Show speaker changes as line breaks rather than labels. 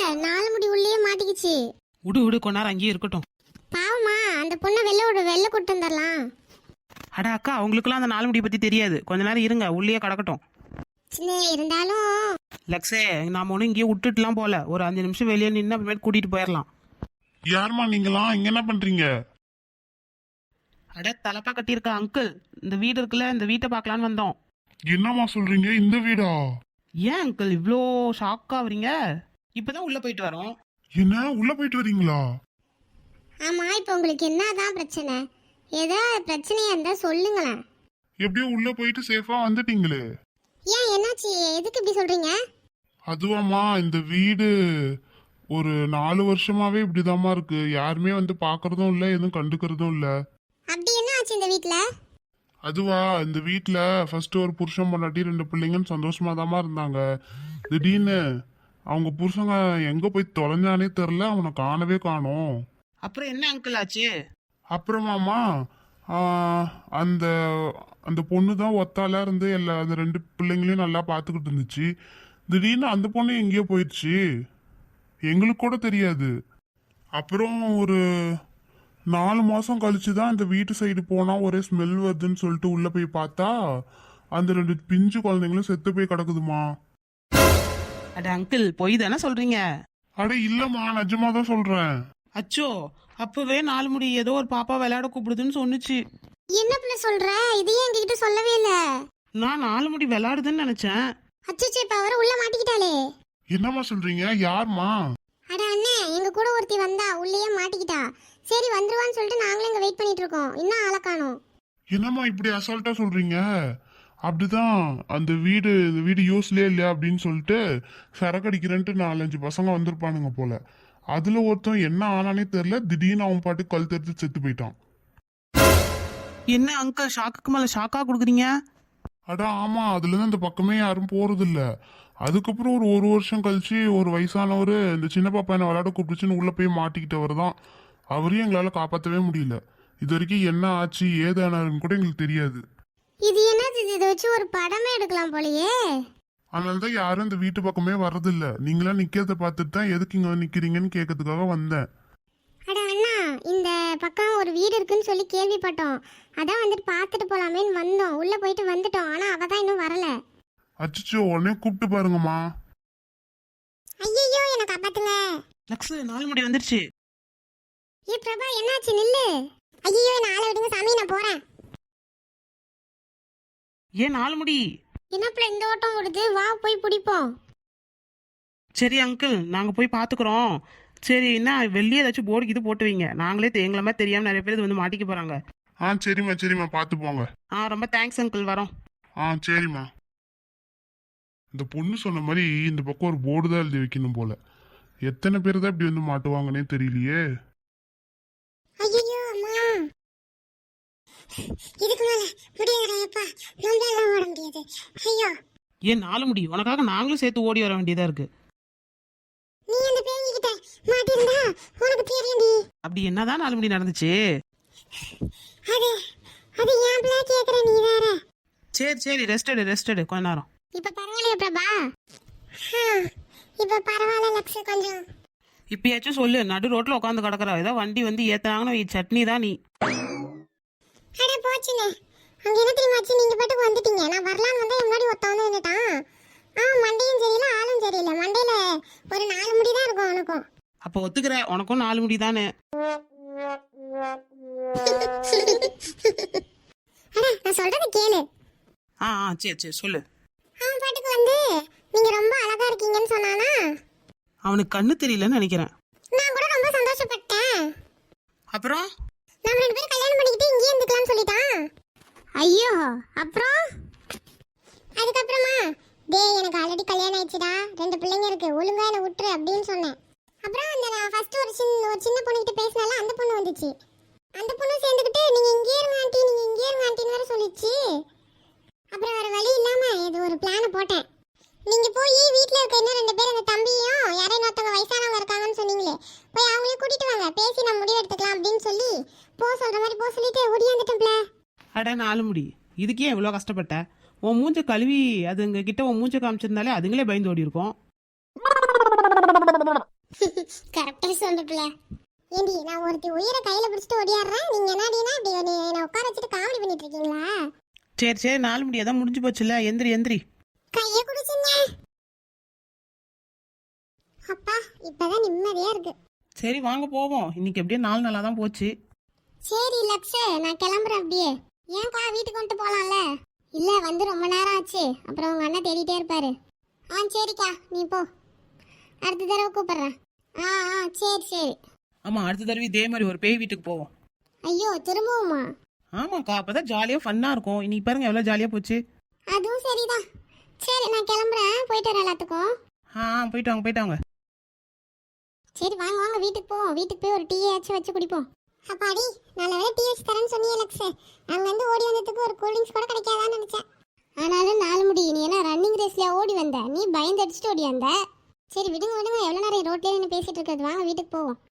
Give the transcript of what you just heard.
நாலு முடி உள்ளே மாட்டிக்கிச்சு.
விடு விடு, கொஞ்ச நேரம் அங்கேயே இருக்கட்டும்.
பாவமா, அந்த பொண்ணை வெளில கூட்டு வந்துடலாம்.
அட அக்கா, அவங்களுக்குலாம் அந்த நாலு முடி பத்தி தெரியாது. கொஞ்ச நேரம் இருங்க, உள்ளே கிடக்கட்டும்.
சின்ன இருந்தாலும்
லக்ஸே, நாம ஒன்றும் இங்கேயே விட்டுட்டுலாம் போல. ஒரு 5 நிமிஷம் வெளியே நின்று அப்புறமேட்டு கூட்டிட்டு போயிடலாம்.
யாருமா நீங்களாம்? இங்க என்ன பண்றீங்க?
அட தலப்பா கட்டியிருக்க அங்கிள், இந்த வீடு இருக்குல்ல, இந்த வீட்டை பார்க்கலான்னு வந்தோம்.
என்னம்மா சொல்றீங்க? இந்த வீடா?
ஏன் அங்கிள் இவ்வளோ ஷாக் ஆகுறீங்க? இப்பதான் உள்ள போயிட்டு வரோம்.
என்ன, உள்ள போயிட்டு வரீங்களா?
ஆமா, இப்போ உங்களுக்கு என்னதான் பிரச்சனை? ஏதோ பிரச்சனையா இருந்தா சொல்லுங்களேன்.
எப்படியோ உள்ள போயிட்டு சேஃபா வந்துட்டீங்களே.
ஏன், என்னாச்சு? எதுக்கு இப்படி சொல்றீங்க?
அதுவாம்மா, இந்த வீடு ஒரு 4 வருஷமாவே இப்படிதாம்மா இருக்கு. யாருமே வந்து பாக்குறதும் இல்ல, எதுவும் கண்டுக்கிறதும் இல்ல.
அப்படி என்ன ஆச்சு இந்த வீட்ல?
அதுவா, இந்த வீட்டுல ஃபர்ஸ்ட் ஒரு புருஷன் பொண்டாட்டி 2 பிள்ளைங்கன்னு சந்தோஷமா தாம்மா இருந்தாங்க. திடீர்னு அவங்க புருஷங்க எங்க போய் தொலைஞ்சானே தெரில, அவனை காணவே காணோம்.
அப்புறம் என்ன அங்கிள் ஆச்சு?
அப்புறமாமா அந்த அந்த பொண்ணு தான் ஒத்தால இருந்து அந்த 2 பிள்ளைங்களையும் நல்லா பார்த்துக்கிட்டு இருந்துச்சு. திடீர்னு அந்த பொண்ணு எங்கேயோ போயிடுச்சு, எங்களுக்கு கூட தெரியாது. அப்புறம் ஒரு 4 மாசம் கழிச்சு தான் இந்த வீட்டு சைடு போனா ஒரே ஸ்மெல் வருதுன்னு சொல்லிட்டு உள்ள போய் பார்த்தா அந்த 2 பிஞ்சு குழந்தைங்களும் செத்து போய் கிடக்குதுமா.
அட அங்கிள், பொய் தானே சொல்றீங்க?
அட இல்லம்மா, நிஜமா தான் சொல்றேன்.
அச்சோ, அப்பவே 4 முடி ஏதோ ஒரு பாப்பா விளையாட கூப்பிடுதுன்னு சொன்னுச்சு.
என்ன பிள்ளை சொல்ற? இதையே எங்ககிட்ட சொல்லவே இல்ல.
நான் 4 முடி விளையாடுதுன்னு நினைச்சேன்.
அச்சச்சே, இப்ப அவரை உள்ள மாட்டிக்கிட்டாளே.
என்னம்மா சொல்றீங்க? யாருமா?
அட அண்ணே, எங்க கூட ஒருத்தி வந்தா உள்ளேயே மாட்டிக்கிட்டா. சரி வந்துருவான்னு சொல்லிட்டு நாங்களும் இங்க வெயிட் பண்ணிட்டு இருக்கோம். இன்னும் ஆளை காணோம்.
என்னம்மா இப்படி அசால்ட்டா சொல்றீங்க? அப்படிதான், இந்த வீடு யூஸ்லயே இல்லையா அப்படின்னு சொல்லிட்டு சரக்கு அடிக்கிறேன்ட்டு 4-5 பசங்க வந்திருப்பானுங்க போல. அதுல ஒருத்தன் என்ன ஆனானே தெரியல, திடீர்னு அவன் பாட்டு கல் தெரிஞ்சு செத்து போயிட்டான்.
என்ன அங்கிள், ஷாக்குக்கு மேல ஷாக்கா கொடுக்குறீங்க?
அடா ஆமா, அதுல இருந்து அந்த பக்கமே யாரும் போறது இல்ல. அதுக்கப்புறம் ஒரு வருஷம் கழிச்சு ஒரு வயசானவர் இந்த சின்ன பாப்பா என்ன விளையாட கூப்பிடுச்சுன்னு உள்ள போய் மாட்டிக்கிட்டவர் தான். அவரையும் எங்களால காப்பாற்றவே முடியல. இது வரைக்கும் என்ன ஆச்சு ஏதானாருன்னு கூட எங்களுக்கு தெரியாது.
இது என்னது? இதை வச்சு ஒரு படமே எடுக்கலாம் போலயே.
அதனாலதான் யாரும் இந்த வீட்டு பக்கமே வர்றதில்ல. நீங்களா நிக்கிறத பார்த்துட்டு தான் எதுக்கு இங்க நிக்கிறீங்கன்னு கேட்கறதுக்காக வந்தேன்.
அட அண்ணா, இந்த பக்கம் ஒரு வீடு இருக்குன்னு சொல்லி கேள்விப்பட்டோம். அதான் வந்துட்டு பார்த்துட்டு போலாமேன்னு வந்தோம். உள்ள போயிட்டு வந்துட்டோம். ஆனா அவ தான் இன்னும் வரல.
அச்சோ, உடனே கூப்பிட்டு பாருங்கம்மா.
ஐயோ, என்ன காப்பாத்துங்க.
லக்ஸ், 4 முடி வந்துருச்சு.
ஏ பிரபா, என்னாச்சு? நில்லு. ஐயோ, என்ன ஆளை விடுங்க சாமி, நான் போறேன்.
ஏன் 4 முடி?
என்னப்புல இந்த ஓட்டம் ஓடுது? வா போய் பிடிப்போம்.
சரி அங்கிள், நாங்க போய் பாத்துக்கிறோம். சரி, என்ன வெளியே ஏதாச்சும் போர்டுக்கு இது போட்டு வைங்க. நாங்களே எங்களை மாதிரி தெரியாம நிறைய பேர் இது வந்து மாட்டிக்க போறாங்க.
சரிம்மா பார்த்து போங்க.
ரொம்ப தேங்க்ஸ் அங்கிள், வரோம்.
சரிம்மா. இந்த பொண்ணு சொன்ன மாதிரி இந்த பக்கம் ஒரு போர்டு தான் எழுதி வைக்கணும் போல. எத்தனை பேர் தான் இப்படி வந்து மாட்டுவாங்கன்னே தெரியலையே.
ஐயோ அம்மா, இதுக்கு மேல முடியாதப்பா, நம்மளால ஓட முடியாது. ஐயோ,
ஏன் 4 முடி, உனக்காக நாங்களும் சேர்த்து ஓடி வர வேண்டியதா இருக்கு.
நீ அந்த பேங்கிட்ட மாட்டிருந்தா உனக்கு தெரியும்டி.
அப்படி என்னதான் 4 முடி நடந்துச்சு?
அது அது ஏன் பிள்ளை கேக்குற நீ வேற.
சரி ரெஸ்ட் எடு கொஞ்ச நேரம்.
இப்ப பரவாயில்லையா பிரபா? இப்ப பரவாயில்ல லக்ஷ, கொஞ்சம்.
இப்பயாச்சும் சொல்லு, நடு ரோட்ல உட்காந்து கிடக்குற. ஏதோ வண்டி வந்து ஏத்தாங்கன்னா சட்னி தான் நீ.
அட போச்சுனே, அங்க என்ன தெரியுமாச்சு? நீங்க பாட்டுக்கு வந்துட்டீங்க. நான் வரலான்னு வந்தா முன்னாடி ஒருத்த வந்து நின்னுட்டான். மண்டையும் சரியில்லை, ஆளும் சரியில்லை. மண்டையில ஒரு 4 முடி தான் இருக்கும் அவனுக்கும்.
அப்ப ஒத்துக்கிற, உனக்கும் 4 முடி தானே.
அட, நான் சொல்றத கேளு.
சரி சொல்லு.
அவன் பாட்டுக்கு வந்து நீங்க ரொம்ப அழகா இருக்கீங்கன்னு சொன்னானா?
அவனுக்கு கண்ணு தெரியலன்னு நினைக்கிறேன்.
நான் கூட ரொம்ப சந்தோஷப்பட்டேன்.
அப்புறம்
நம்ம 2 பேரும் கல்யாணம் பண்ணிக்கிட்டு இங்கேயே இருந்துக்கலாம்னு சொல்லிட்டான். ஐயோ, அப்புறம் அதுக்கப்புறமா டேய், எனக்கு ஆல்ரெடி கல்யாணம் ஆயிடுச்சுடா, 2 பிள்ளைங்க இருக்கு, ஒழுங்கா என்ன விட்டுரு அப்படின்னு சொன்னேன். அப்புறம் அந்த நான் ஃபர்ஸ்ட் ஒரு சின்ன பொண்ணுகிட்ட பேசினால அந்த பொண்ணு வந்துச்சு. அந்த பொண்ணு சேர்ந்துக்கிட்டு நீங்க இங்கே இருங்க ஆண்டி, நீங்க இங்கே இருங்க ஆண்டின்னு வேற சொல்லிச்சு. அப்புறம் வேற வழி இல்லாம இது ஒரு பிளான போட்டேன். நீங்க போய் வீட்ல இருக்க இன்னும் 2 பேர், அந்த தம்பியும் யாரையும் ஒருத்தவங்க வயசானவங்க இருக்காங்கன்னு சொன்னீங்களே, போய் அவங்களையும் கூட்டிட்டு வாங்க, பேசி நம்ம முடிவு எடுத்துக்கலாம் அப்படின்னு சொல்லி சொல்ற மாதிரி சொல்லிட்டு ஓடியாந்துட்டேன்ல.
அட 4 முடி, இதுக்கே எவ்வளோ கஷ்டப்பட்ட? உன் மூஞ்ச கழுவி அதுங்க கிட்ட உன் மூஞ்ச காமிச்சிருந்தாலே அதுங்களே பயந்து ஓடி இருக்கும்.
கரெக்டா சொன்னதுல ஏண்டி நான் ஒருத்தி உயிரை கையில பிடிச்சிட்டு ஓடியாடுறேன், நீங்க என்னடினா இப்படி என்ன உட்கார வச்சுட்டு காமெடி பண்ணிட்டு இருக்கீங்களா?
சரி சரி, நாலு மணி அதான் முடிஞ்சு போச்சுல, எந்திரி எந்திரி.
கைய குடிச்சுங்க. அப்பா இப்பதான் நிம்மதியா இருக்கு.
சரி வாங்க போவோம், இன்னைக்கு எப்படியே நாலு நாளாக தான் போச்சு.
சரி லக்ஷே, நான் கிளம்புறேன் அப்படியே. ஏன்க்கா வீட்டுக்கு வந்துட்டு போலாம்ல? இல்ல வந்து ரொம்ப நேரம் ஆச்சு, அப்புறம் உங்க அண்ணன் தேடிட்டே இருப்பாரு. சரிக்கா நீ போ, அடுத்த தடவை கூப்பிடுறேன். சரி சரி.
ஆமாம், அடுத்த தடவை இதே மாதிரி ஒரு பேய் வீட்டுக்கு போவோம்.
ஐயோ திரும்பவுமா?
ஆமாக்கா, அப்பதான் ஜாலியாக ஃபன்னாக இருக்கும். இன்னைக்கு பாருங்க எவ்வளோ ஜாலியாக போச்சு.
அதுவும் சரிதான். சரி நான் கிளம்புறேன், போயிட்டு வரேன் எல்லாத்துக்கும்.
போயிட்டு வாங்க போயிட்டு வாங்க.
சரி வாங்க வாங்க வீட்டுக்கு போவோம். வீட்டுக்கு போய் ஒரு டீ ஆச்சு வச்சு குடிப்போம். அப்பாடி நல்ல வேலை டீ வச்சு தரேன்னு சொன்னியே லக்ஷே. அங்க வந்து ஓடி வந்ததுக்கு ஒரு கூல் ட்ரிங்க்ஸ் கூட கிடைக்காதான்னு நினைச்சேன். ஆனாலும் நாலு முடி நீ என்ன ரன்னிங் ரேஸ்ல ஓடி வந்த, நீ பயந்து அடிச்சுட்டு ஓடி வந்த. சரி விடுங்க விடுங்க, எவ்வளோ நேரம் ரோட்லேயே நின்று பேசிட்டு இருக்கிறது, வாங்க வீட்டுக்கு போவோம்.